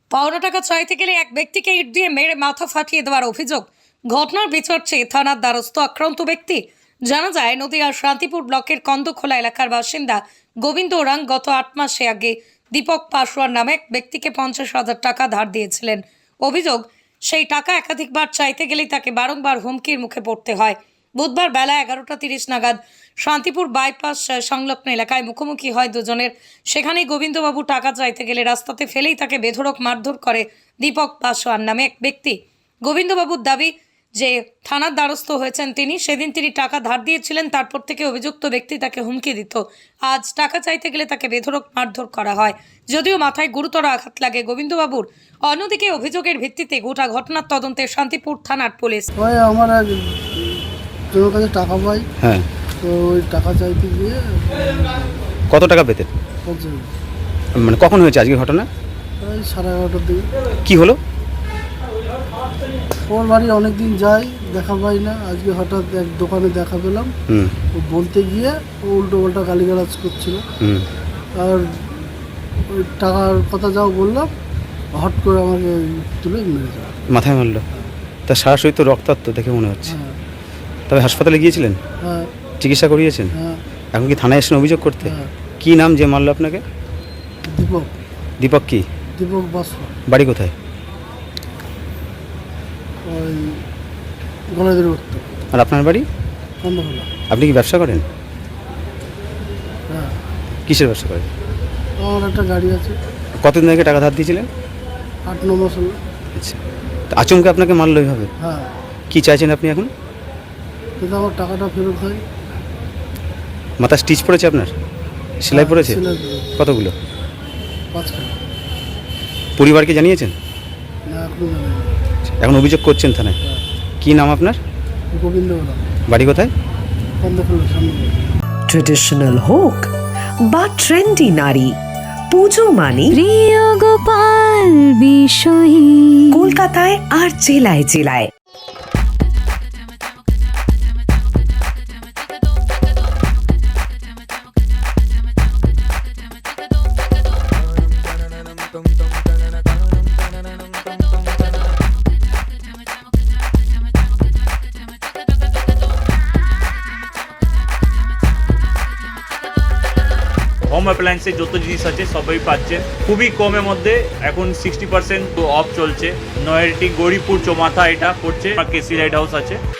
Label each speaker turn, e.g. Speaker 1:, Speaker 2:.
Speaker 1: পাওনা টাকা চাইতে গেলে এক ব্যক্তিকে ইট দিয়ে মেরে মাথা ফাটিয়ে দেওয়ার অভিযোগ। ঘটনার বিচারছে থানার দ্বারস্থ আক্রান্ত ব্যক্তি। জানা যায়, নদিয়ার শান্তিপুর ব্লকের কন্দখোলা এলাকার বাসিন্দা গোবিন্দ ওরাং গত 8 মাসে আগে দীপক পাসওয়ান নামে এক ব্যক্তিকে 50,000 টাকা ধার দিয়েছিলেন। অভিযোগ, সেই টাকা একাধিকবার চাইতে গেলেই তাকে বারংবার হুমকির মুখে পড়তে হয়। বুধবার বেলা 11:30 নাগাদ শান্তিপুর বাইপাস সংলগ্ন এলাকায় মুখোমুখি হয় দুজনের। সেখানেই গোবিন্দবাবু টাকা চাইতে গেলে রাস্তাতে ফেলেই তাকে বেধড়ক মারধর করে দীপক পাসওয়ান নামে এক ব্যক্তি। গোবিন্দবাবুর দাবি যে থানার দ্বারস্থ হয়েছেন তিনি। সেদিন তিনি টাকা ধার দিয়েছিলেন, তারপর থেকে অভিযুক্ত ব্যক্তি তাকে হুমকি দিত। আজ টাকা চাইতে গেলে তাকে বেধড়ক মারধর করা হয়, যদিও মাথায় গুরুতর আঘাত লাগে গোবিন্দবাবুর। অন্যদিকে অভিযোগের ভিত্তিতে গোটা ঘটনার তদন্তে শান্তিপুর থানার পুলিশ।
Speaker 2: আমার জনের কাছে টাকা পাই,
Speaker 3: হ্যাঁ,
Speaker 2: তো ওই টাকা চাইতে গিয়ে
Speaker 3: কত টাকা পেতেন?
Speaker 2: 50,
Speaker 3: মানে কখন হয়েছে আজকে ঘটনা?
Speaker 2: ওই 11:30 দিকে।
Speaker 3: কি হলো?
Speaker 2: ওর বাড়ি অনেকদিন যাই, দেখা পাই না। আজকে হঠাৎ এক দোকানে দেখা পেলাম। ও বলতে গিয়ে ও উল্টো পাল্টা গালিগালাজ করছিল। আর ওই টাকার কথা যাও বললাম, হট করে আমাকে তুলে মেরে যায়,
Speaker 3: মাথায় মারলো। তার সারা শরীর তো রক্তাক্ত দেখে মনে হচ্ছে।
Speaker 2: হ্যাঁ
Speaker 3: তবে হাসপাতালে গিয়েছিলেন?
Speaker 2: হ্যাঁ
Speaker 3: চিকিৎসা করিয়েছেন?
Speaker 2: হ্যাঁ।
Speaker 3: এখন কি থানায় এসেছেন অভিযোগ করতে?
Speaker 2: হ্যাঁ।
Speaker 3: কি নাম যে মারলো আপনাকে?
Speaker 2: দীপক
Speaker 3: দীপক কি?
Speaker 2: দীপক বাসা,
Speaker 3: বাড়ি কোথায়?
Speaker 2: ওই গলাদের উঠতো
Speaker 3: আর আপনার বাড়ি?
Speaker 2: কন্দখোলা।
Speaker 3: আপনি কি ব্যবসা করেন?
Speaker 2: হ্যাঁ,
Speaker 3: কিসের ব্যবসা করেন?
Speaker 2: আমার একটা গাড়ি আছে।
Speaker 3: কতদিন আগে টাকা ধার দিয়েছিলেন?
Speaker 2: 8-9 মাস হলো।
Speaker 3: আচ্ছা, তো আচমকে আপনাকে মারলো এইভাবে?
Speaker 2: হ্যাঁ,
Speaker 3: কি চাইছেন আপনি এখন?
Speaker 2: কিন্তু আমার টাকাটা ফেরত হয়।
Speaker 3: মাথা স্টিচ পড়েছে আপনার? সেলাই পড়েছে?
Speaker 2: সেলাই করে।
Speaker 3: কতগুলো?
Speaker 2: 5খানা।
Speaker 3: পরিবারকে জানিয়েছেন?
Speaker 2: না, এখনো জানি না।
Speaker 3: এখন অভিযোগ করছেন থানায়?
Speaker 2: হ্যাঁ।
Speaker 3: কি নাম আপনার?
Speaker 2: গোবিন্দ ওরাং,
Speaker 3: বাড়ি কোথায়?
Speaker 2: কন্দখোলা সামনে।
Speaker 4: ট্রেডিশনাল হোক বা ট্রেন্ডি নারী, পুজো মানে
Speaker 5: প্রিয় গোপাল বিষয়ী
Speaker 4: কলকাতায় আর জেলায় জেলায়।
Speaker 6: হোম অ্যাপ্লায়েন্সে যত জিনিস আছে সবই পাচ্ছেন খুবই কমের মধ্যে। এখন 60% অফ চলছে। নয়ারটি গৌরীপুর চৌমাথা এটা পড়ছে, কেসি লাইট হাউস আছে।